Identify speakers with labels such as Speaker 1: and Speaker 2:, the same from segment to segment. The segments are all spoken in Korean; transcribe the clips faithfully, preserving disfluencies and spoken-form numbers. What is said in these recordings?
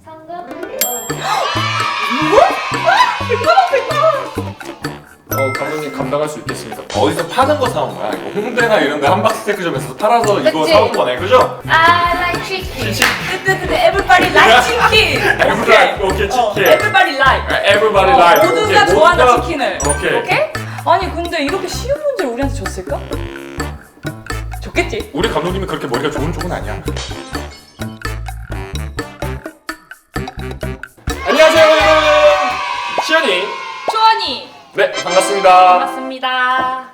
Speaker 1: 상금 백만 원.
Speaker 2: 뭐? 백만 원, 백만 원!
Speaker 3: 어, 감독님 감당할 수 있겠습니까? 어디서 파는 거 사온 거야? 이거 홍대나 이런 데 함박 스테이크점에서 팔아서 이거
Speaker 1: 그치?
Speaker 3: 사온 거네, 그죠?
Speaker 1: I like chicken.
Speaker 2: 뜨뜨뜨 everybody like 치킨!
Speaker 3: Everybody, 오케이,
Speaker 2: 어,
Speaker 3: 치킨.
Speaker 2: everybody like!
Speaker 3: Everybody
Speaker 2: 어,
Speaker 3: like.
Speaker 2: 모두가
Speaker 3: 오케이,
Speaker 2: 좋아하는
Speaker 3: 모두가-
Speaker 2: 치킨을.
Speaker 3: 오케이.
Speaker 2: 오케이? 아니 근데 이렇게 쉬운 문제를 우리한테 줬을까? 줬겠지?
Speaker 3: 우리 감독님이 그렇게 머리가 좋은 쪽은 아니야. 안녕하세요, 여러분. 시연이.
Speaker 2: 초원이!
Speaker 3: 네, 반갑습니다.
Speaker 2: 반갑습니다.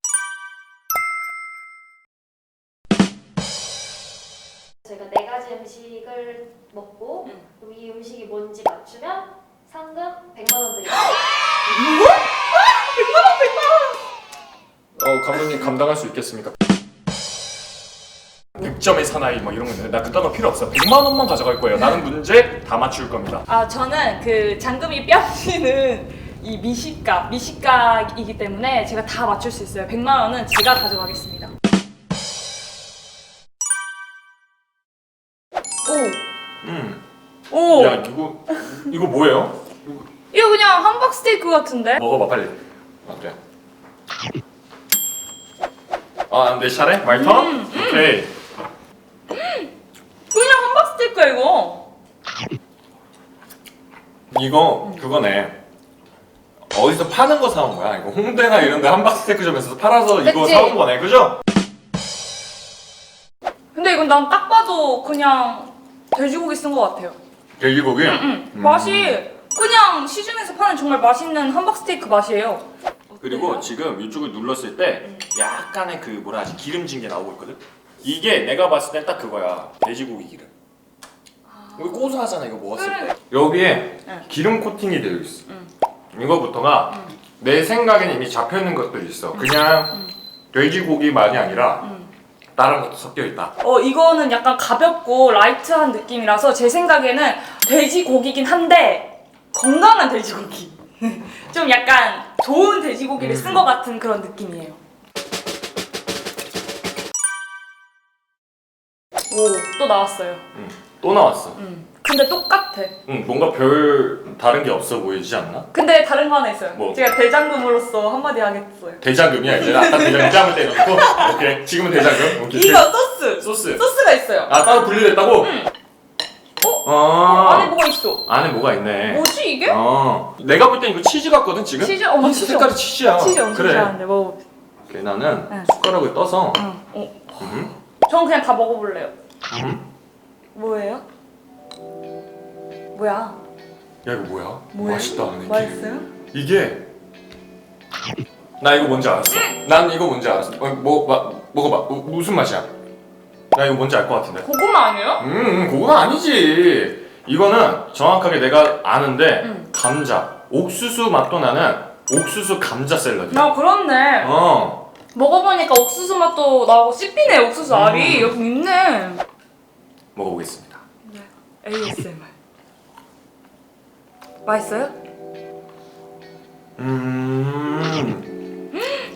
Speaker 1: 저희가 네 가지 음식을 먹고
Speaker 2: 응.
Speaker 1: 그럼 이 음식이 뭔지 맞추면 상금 백만 원 드립니다.
Speaker 2: 뭐? 백만 원, 백만 원!
Speaker 3: 어, 감독님 감당할 수 있겠습니까? 백 점의 사나이 뭐 이런 거 있는데 나 그딴 거 필요 없어. 백만 원만 가져갈 거예요. 나는 문제 다 맞출 겁니다.
Speaker 2: 아 저는 그 장금이 뺨치는 이 미식가, 미식가이기 때문에 제가 다 맞출 수 있어요. 백만 원은 제가 가져가겠습니다.
Speaker 3: 음.
Speaker 2: 오! 오!
Speaker 3: 야, 이거 이거 뭐예요?
Speaker 2: 이거 그냥 함박 스테이크 같은데?
Speaker 3: 먹어봐 빨리. 어때? 아, 내 차례? 마이 턴?
Speaker 2: 음, 음.
Speaker 3: 오케이.
Speaker 2: 그냥 함박 스테이크야 이거.
Speaker 3: 이거 그거네. 어디서 파는 거 사온 거야? 이거 홍대나 이런 데 함박 스테이크점에서 팔아서 이거
Speaker 1: 그치?
Speaker 3: 사온 거네, 그죠?
Speaker 2: 근데 이건 난 딱 봐도 그냥 돼지고기 쓴 것 같아요.
Speaker 3: 돼지고기.
Speaker 2: 응.
Speaker 3: 음.
Speaker 2: 맛이 그냥 시중에서 파는 정말 맛있는 함박 스테이크 맛이에요.
Speaker 3: 그리고
Speaker 2: 어때요?
Speaker 3: 지금 이쪽을 눌렀을 때 약간의 그 뭐라 하지 기름진 게 나오고 있거든. 이게 내가 봤을 땐 딱 그거야. 돼지고기 기름. 이거 고소하잖아 이거 먹었을
Speaker 2: 그래.
Speaker 3: 때. 여기에
Speaker 2: 응.
Speaker 3: 기름 코팅이 되어 있어.
Speaker 2: 응.
Speaker 3: 이거부터가
Speaker 2: 응.
Speaker 3: 내 생각에는 이미 잡혀 있는 것들이 있어. 그냥
Speaker 2: 응.
Speaker 3: 돼지고기만이 아니라
Speaker 2: 음.
Speaker 3: 다른 것도 섞여 있다.
Speaker 2: 어 이거는 약간 가볍고 라이트한 느낌이라서 제 생각에는 돼지고기긴 한데 건강한 돼지고기. 좀 약간 좋은 돼지고기를
Speaker 3: 음.
Speaker 2: 쓴 것 같은 그런 느낌이에요. 오, 또 나왔어요.
Speaker 3: 응. 또 나왔어.
Speaker 2: 음. 근데 똑같아.
Speaker 3: 응, 뭔가 별 다른 게 없어 보이지 않나?
Speaker 2: 근데 다른 거 하나 있어요.
Speaker 3: 뭐?
Speaker 2: 제가 대장금으로서 한마디 하겠어요.
Speaker 3: 대장금이야 이제. 아까 대장금 짬을 때려놓고. 오케이. 지금은 대장금. 오케이.
Speaker 2: 이거 소스!
Speaker 3: 소스.
Speaker 2: 소스가 있어요.
Speaker 3: 아 따로 분리됐다고?
Speaker 2: 응.
Speaker 3: 어?
Speaker 2: 어, 안에 뭐가 있어?
Speaker 3: 안에 뭐가 있네.
Speaker 2: 뭐지 이게?
Speaker 3: 어. 내가 볼 땐 이거 치즈 같거든 지금?
Speaker 2: 치즈? 어,
Speaker 3: 아,
Speaker 2: 치즈.
Speaker 3: 색깔이 치즈야.
Speaker 2: 치즈 엄청
Speaker 3: 그래.
Speaker 2: 좋아하는데 먹어.
Speaker 3: 오케이, 나는
Speaker 2: 응.
Speaker 3: 숟가락을 떠서.
Speaker 2: 응. 어.
Speaker 3: 음.
Speaker 2: 전 그냥 다 먹어볼래요.
Speaker 3: 음.
Speaker 2: 뭐예요? 뭐야?
Speaker 3: 야 이거 뭐야?
Speaker 2: 뭐예요?
Speaker 3: 맛있다. 근데
Speaker 2: 맛있어요?
Speaker 3: 이게 나 이거 뭔지 알았어. 난 이거 뭔지 알았어. 어, 뭐 마, 먹어봐. 어, 무슨 맛이야? 나 이거 뭔지 알 것 같은데.
Speaker 2: 고구마 아니에요?
Speaker 3: 음, 음, 그건 아니지. 이거는 정확하게 내가 아는데
Speaker 2: 음.
Speaker 3: 감자, 옥수수 맛도 나는 옥수수 감자 샐러드.
Speaker 2: 아 그렇네.
Speaker 3: 어.
Speaker 2: 먹어보니까 옥수수 맛도 나고 씹히네 옥수수 알이.
Speaker 3: 음.
Speaker 2: 여기 있네.
Speaker 3: 먹어보겠습니다.
Speaker 2: 네. 에이에스엠알. 맛있어요?
Speaker 3: 음.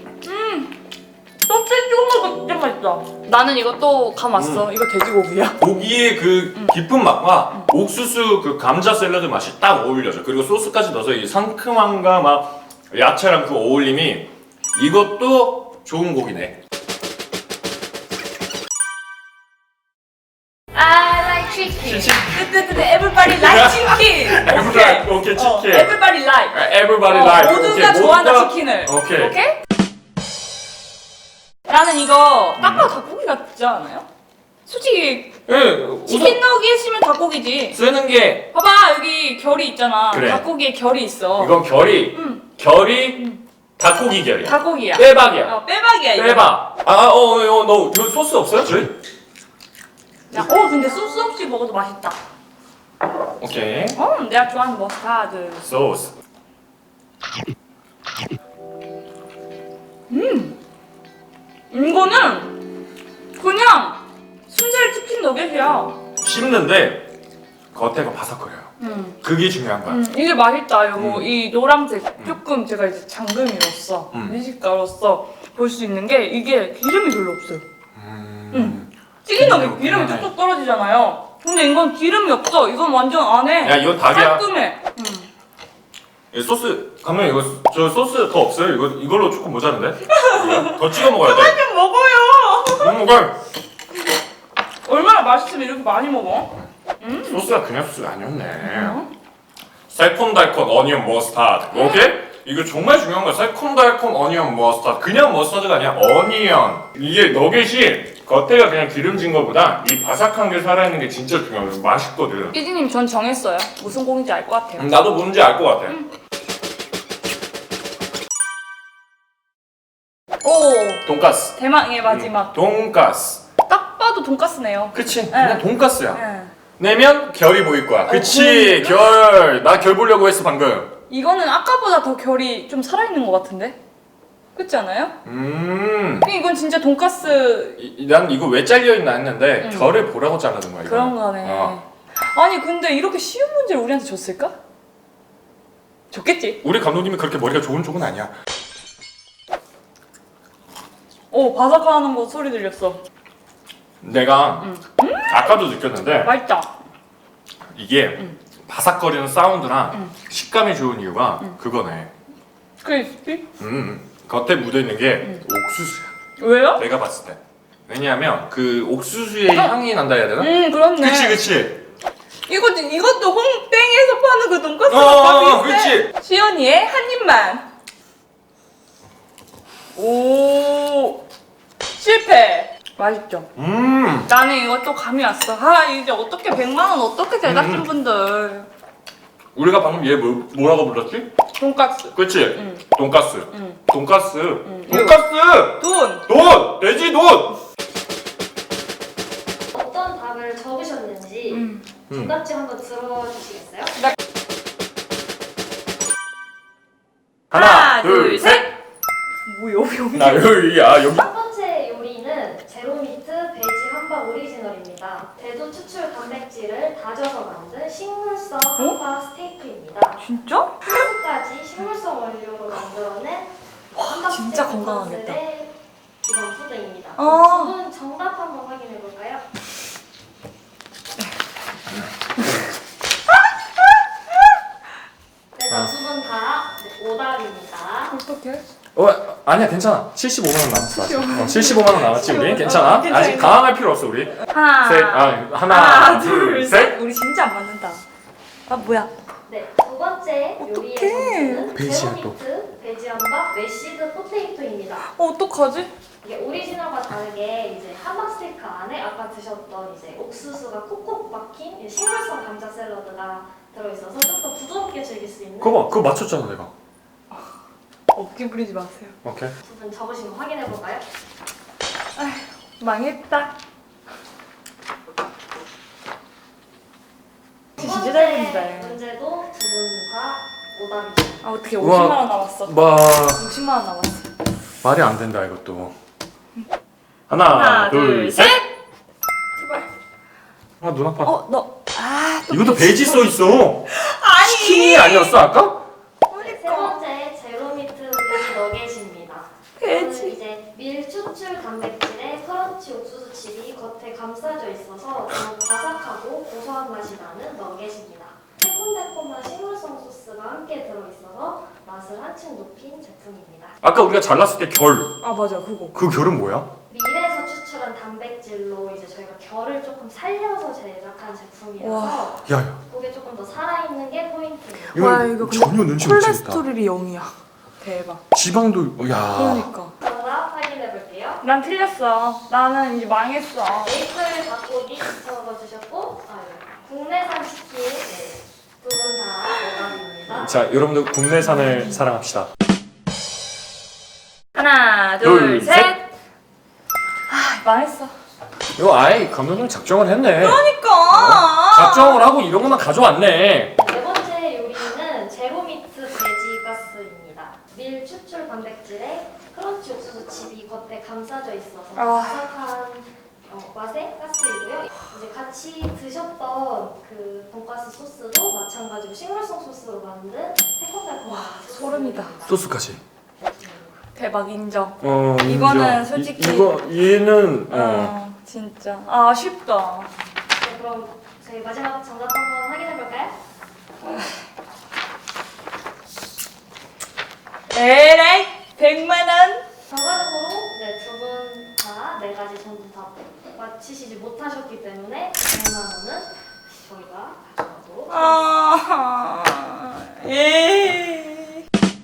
Speaker 2: 소스 찍어 먹으면 진짜 맛있다. 나는 이거 또 감 왔어. 이거 돼지고기야.
Speaker 3: 고기의 그
Speaker 2: 음.
Speaker 3: 깊은 맛과 옥수수 그 감자 샐러드 맛이 딱 어울려져. 그리고 소스까지 넣어서 이 상큼함과 막 야채랑 그 어울림이 이것도 좋은 고기네.
Speaker 1: I like chicken.
Speaker 2: 뜨뜨뜨 everybody like 치킨.
Speaker 3: Everybody, 오케이,
Speaker 2: 어,
Speaker 3: 치킨.
Speaker 2: everybody like.
Speaker 3: Everybody
Speaker 2: 어,
Speaker 3: like.
Speaker 2: 모두가
Speaker 3: 오케이,
Speaker 2: 좋아하는
Speaker 3: 모두가-
Speaker 2: 치킨을.
Speaker 3: 오케이.
Speaker 2: 오케이? 나는 이거 딱 봐도 닭고기 같지 않아요? 솔직히
Speaker 3: 예, 우선
Speaker 2: 치킨 너겟이면 닭고기지.
Speaker 3: 쓰는 게
Speaker 2: 봐봐 여기 결이 있잖아.
Speaker 3: 그래.
Speaker 2: 닭고기에 결이 있어.
Speaker 3: 이건 결이
Speaker 2: 응.
Speaker 3: 결이
Speaker 2: 응.
Speaker 3: 닭고기 결이야.
Speaker 2: 닭고기야.
Speaker 3: 빼박이야.
Speaker 2: 어, 빼박이야 이거.
Speaker 3: 빼박. 아, 어, 어, 너 저 소스 없어요? 저희?
Speaker 2: 야, 어 근데 소스 없이 먹어도 맛있다.
Speaker 3: 오케이.
Speaker 2: 어 내가 좋아하는 머스타드.
Speaker 3: 소스.
Speaker 2: 이거는 그냥 순살 치킨 너겟이야.
Speaker 3: 씹는데 겉에가 바삭거려요.
Speaker 2: 음.
Speaker 3: 그게 중요한 거야.
Speaker 2: 음, 이게 맛있다. 이거
Speaker 3: 음.
Speaker 2: 이 노란색 조금 제가 이제 장금이로서
Speaker 3: 음.
Speaker 2: 미식가로서 볼 수 있는 게 이게 기름이 별로 없어요.
Speaker 3: 음.
Speaker 2: 음. 튀긴 너겟 기름이
Speaker 3: 그만해.
Speaker 2: 뚝뚝 떨어지잖아요. 근데 이건 기름이 없어. 이건 완전 안에
Speaker 3: 야 이건 닭이야.
Speaker 2: 깔끔해. 음.
Speaker 3: 이 소스 감독님 이거 저 소스 더 없어요? 이거 이걸로 조금 모자른데? 이거? 더 찍어 먹어야 돼.
Speaker 2: 좀 먹어요.
Speaker 3: 음, 먹어.
Speaker 2: 얼마나 맛있으면 이렇게 많이 먹어? 음.
Speaker 3: 소스가 그냥 소스가 아니었네. 새콤달콤 어니언 머스타드. 오케이? 이거 정말 중요한 거야. 새콤달콤 어니언 머스타드. 그냥 머스타드가 아니야. 어니언. 이게 너겟이 겉에가 그냥 기름진 거보다 이 바삭한 게 살아있는 게 진짜 중요해. 맛있거든.
Speaker 2: 피디님 전 정했어요. 무슨 고기인지 알 것 같아요.
Speaker 3: 음, 나도 뭔지 알 것 같아.
Speaker 2: 음. 오.
Speaker 3: 돈가스.
Speaker 2: 대망의 마지막.
Speaker 3: 음, 돈가스.
Speaker 2: 딱 봐도 돈가스네요.
Speaker 3: 그치? 그냥
Speaker 2: 네.
Speaker 3: 돈가스야.
Speaker 2: 네.
Speaker 3: 내면 결이 보일 거야. 그치?
Speaker 2: 그러니까?
Speaker 3: 결. 나 결 보려고 했어 방금.
Speaker 2: 이거는 아까보다 더 결이 좀 살아있는 것 같은데? 그렇지 않아요?
Speaker 3: 음.
Speaker 2: 근데 이건 진짜 돈가스
Speaker 3: 이, 이- 난 이거 왜 잘려있나 했는데
Speaker 2: 음.
Speaker 3: 결을 보라고 자르는 거야. 이거.
Speaker 2: 그런 거네.
Speaker 3: 어.
Speaker 2: 아니 근데 이렇게 쉬운 문제를 우리한테 줬을까? 줬겠지?
Speaker 3: 우리 감독님이 그렇게 머리가 좋은 쪽은 아니야.
Speaker 2: 오 바삭하는 거 소리 들렸어.
Speaker 3: 내가
Speaker 2: 음.
Speaker 3: 아까도 느꼈는데
Speaker 2: 맛있다.
Speaker 3: 이게
Speaker 2: 음.
Speaker 3: 바삭거리는 사운드랑
Speaker 2: 음.
Speaker 3: 식감이 좋은 이유가
Speaker 2: 음.
Speaker 3: 그거네.
Speaker 2: 크리스피?
Speaker 3: 음. 겉에 묻어있는 게
Speaker 2: 음.
Speaker 3: 옥수수야.
Speaker 2: 왜요?
Speaker 3: 내가 봤을 때. 왜냐하면 그 옥수수의
Speaker 2: 어.
Speaker 3: 향이 난다 해야 되나?
Speaker 2: 음 그렇네.
Speaker 3: 그치 그치.
Speaker 2: 이거 이것도 홍땡에서 파는 그 돈가스
Speaker 3: 어, 어,
Speaker 2: 가
Speaker 3: 어,
Speaker 2: 비슷해. 시연이의 한 입만. 오 실패. 맛있죠?
Speaker 3: 음.
Speaker 2: 나는 이것도 감이 왔어. 아 이제 어떻게 백만 원 어떻게 제작진분들.
Speaker 3: 우리가 방금 얘 뭐, 뭐라고 불렀지?
Speaker 2: 돈가스.
Speaker 3: 그치?
Speaker 2: 응.
Speaker 3: 돈가스.
Speaker 2: 응.
Speaker 3: 돈가스.
Speaker 2: 응.
Speaker 3: 돈가스.
Speaker 2: 돈.
Speaker 3: 돈. 돼지 돈.
Speaker 1: 어떤 답을 적으셨는지
Speaker 2: 음.
Speaker 1: 정답지 한번 들어주시겠어요?
Speaker 3: 하나, 둘, 셋.
Speaker 2: 뭐요 여기?
Speaker 3: 나 여기야 여기.
Speaker 1: 첫 번째 요리는 제로미트 베지 함박 오리지널입니다. 대도 추출 단백질을 다져서 만든 식물성 함박 스테이크입니다.
Speaker 2: 진짜?
Speaker 1: 소스까지 식물성 원료로 만들어낸 함박
Speaker 2: 진짜
Speaker 1: 스테이크
Speaker 2: 건강하겠다.
Speaker 1: 컨셉의 기본 푸드입니다.
Speaker 2: 어.
Speaker 1: 두 분 정답 한번 확인해 볼까요? 그래서 두 분 다 오답입니다.
Speaker 2: 어떡해?
Speaker 3: 어 아니야 괜찮아. 칠십오만 원 남았어. 아직. 어, 칠십오만 원 남았지 우리.
Speaker 2: 칠십오만 원.
Speaker 3: 괜찮아.
Speaker 2: 어, 괜찮아,
Speaker 3: 아직
Speaker 2: 괜찮아.
Speaker 3: 당황할 필요 없어 우리.
Speaker 2: 하나.
Speaker 3: 셋. 아 하나,
Speaker 2: 하나
Speaker 3: 둘, 셋.
Speaker 2: 우리 진짜 안 맞는다. 아 뭐야?
Speaker 1: 네, 두 번째 요리의
Speaker 2: 어떡해.
Speaker 1: 점수는
Speaker 3: 베지야, 또.
Speaker 1: 제로미트 베지 함박 메시드 포테이토입니다.
Speaker 2: 어 어떡하지?
Speaker 1: 이게 오리지널과 다르게 이제 함박 스테이크 안에 아까 드셨던 이제 옥수수가 콕콕 박힌 이 식물성 감자 샐러드가 들어있어서 좀 더 부드럽게 즐길 수 있는.
Speaker 3: 그거 봐. 그거 맞췄잖아 내가.
Speaker 2: 어깨 부리지 마세요.
Speaker 3: 오케이.
Speaker 1: 두 분 적으신 거 확인해 볼까요?
Speaker 2: 망했다.
Speaker 1: 두
Speaker 2: 진짜
Speaker 1: 번째
Speaker 2: 잘 부른다.
Speaker 1: 문제도 두 분 다 오답이죠.
Speaker 2: 아 어떻게
Speaker 3: 우와.
Speaker 2: 오십만 원 남았어?
Speaker 3: 마
Speaker 2: 오십만 원 남았어.
Speaker 3: 말이 안 된다 이것도. 하나,
Speaker 2: 하나,
Speaker 3: 둘,
Speaker 2: 둘,
Speaker 3: 셋.
Speaker 2: 제발.
Speaker 3: 아 눈 아파.
Speaker 2: 어 너. 아. 또
Speaker 3: 이것도 베지 써 있어.
Speaker 2: 아니.
Speaker 3: 치킨이 아니었어 아까?
Speaker 1: 네, 세 번째 제로미트 베지 너겟입니다.
Speaker 2: 베지.
Speaker 1: 이거는 이제 밀 추출 단백질에 크런치 옥수수 칩이 겉에 감싸져 있어서 더 바삭하고 고소한 맛이 나는 너겟입니다. 새콤달콤한 식물성 소스가 함께 들어있어서 맛을 한층 높인 제품입니다.
Speaker 3: 아까 우리가 잘랐을 때 결.
Speaker 2: 아 맞아 그거.
Speaker 3: 그 결은 뭐야?
Speaker 1: 밀에서 추출한 단백질로 이제 저희가 결을 조금 살려서 제작한 제품이라서
Speaker 3: 야야.
Speaker 1: 그게 조금 더 살아있는 게 포인트예요.
Speaker 3: 이거,
Speaker 2: 와, 이거 근데
Speaker 3: 전혀 눈치 못 채겠다.
Speaker 2: 콜레스테롤이 영이야. 대박.
Speaker 3: 지방도 야.
Speaker 2: 그러니까.
Speaker 1: 정답 확인해 볼게요.
Speaker 2: 난 틀렸어. 나는 이제 망했어.
Speaker 1: 메이플 닭고기 적어주셨고 아, 네. 국내산 치킨 네. 두 분 다 오답입니다.
Speaker 3: 자 여러분들 국내산을 사랑합시다.
Speaker 2: 하나,
Speaker 3: 둘,
Speaker 2: 둘,
Speaker 3: 셋.
Speaker 2: 셋. 아, 망했어.
Speaker 3: 이거 아예 감독님 작정을 했네.
Speaker 2: 그러니까.
Speaker 3: 작정을 하고 이런 것만 가져왔네.
Speaker 1: 네 번째 요리는 제로미트 베지 가스입니다. 밀 추출 단백질에 크런치 옥수수 칩이 겉에 감싸져 있어서
Speaker 2: 아.
Speaker 1: 바삭한 어, 맛의 가스이고요. 이제 같이 드셨던 그 돈가스 소스도 마찬가지로 식물성 소스로 만든 새콤달콤한
Speaker 2: 소름이다.
Speaker 3: 소스까지.
Speaker 2: 대박 인정.
Speaker 3: 어
Speaker 2: 이거는
Speaker 3: 인정.
Speaker 2: 솔직히-
Speaker 3: 이, 이거 얘는 어.
Speaker 2: 어, 진짜. 아, 아쉽다.
Speaker 1: 네, 그럼 저희 마지막 정답 한번 확인해 볼까요?
Speaker 2: 에라이 백만 원.
Speaker 1: 결과적으로 네, 두 분 다 네 가지 전부 다 맞히시지 못하셨기 때문에 백만 원은 저희가 가져가도록
Speaker 2: 아, 예.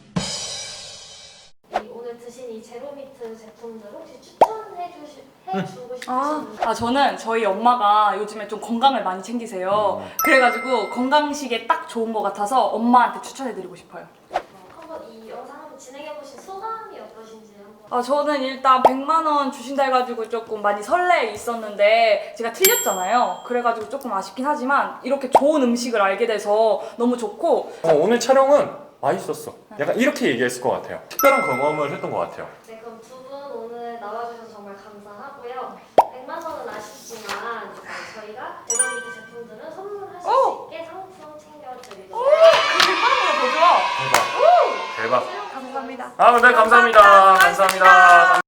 Speaker 1: 이 오늘 드신 이 제로미트 제품들 혹시 추천해 주시 해주고 싶으신
Speaker 2: 아,
Speaker 1: 분?
Speaker 2: 아 저는 저희 엄마가 요즘에 좀 건강을 많이 챙기세요.
Speaker 3: 음.
Speaker 2: 그래가지고 건강식에 딱 좋은 것 같아서 엄마한테 추천해드리고 싶어요.
Speaker 1: 어, 한번 이 영상 한번 진행해 보신 소감이 어떠신지 한번.
Speaker 2: 아 저는 일단 백만 원 주신다 해가지고 조금 많이 설레 있었는데 제가 틀렸잖아요. 그래가지고 조금 아쉽긴 하지만 이렇게 좋은 음식을 알게 돼서 너무 좋고
Speaker 3: 어, 오늘 촬영은 맛있었어. 약간 이렇게 얘기했을 것 같아요. 특별한 경험을 했던 것 같아요.
Speaker 1: 네, 그럼 두 분 오늘 나와주셔서 정말 감사하고요. 백만 원은 아쉽지만 네, 저희가 제로미트 제품들은 선물하실
Speaker 2: 오!
Speaker 1: 수 있게 상품 챙겨드리도록
Speaker 2: 백만 원보다 더 좋아.
Speaker 3: 대박. 대박.
Speaker 2: 감사합니다.
Speaker 3: 아, 네, 감사합니다. 감사합니다.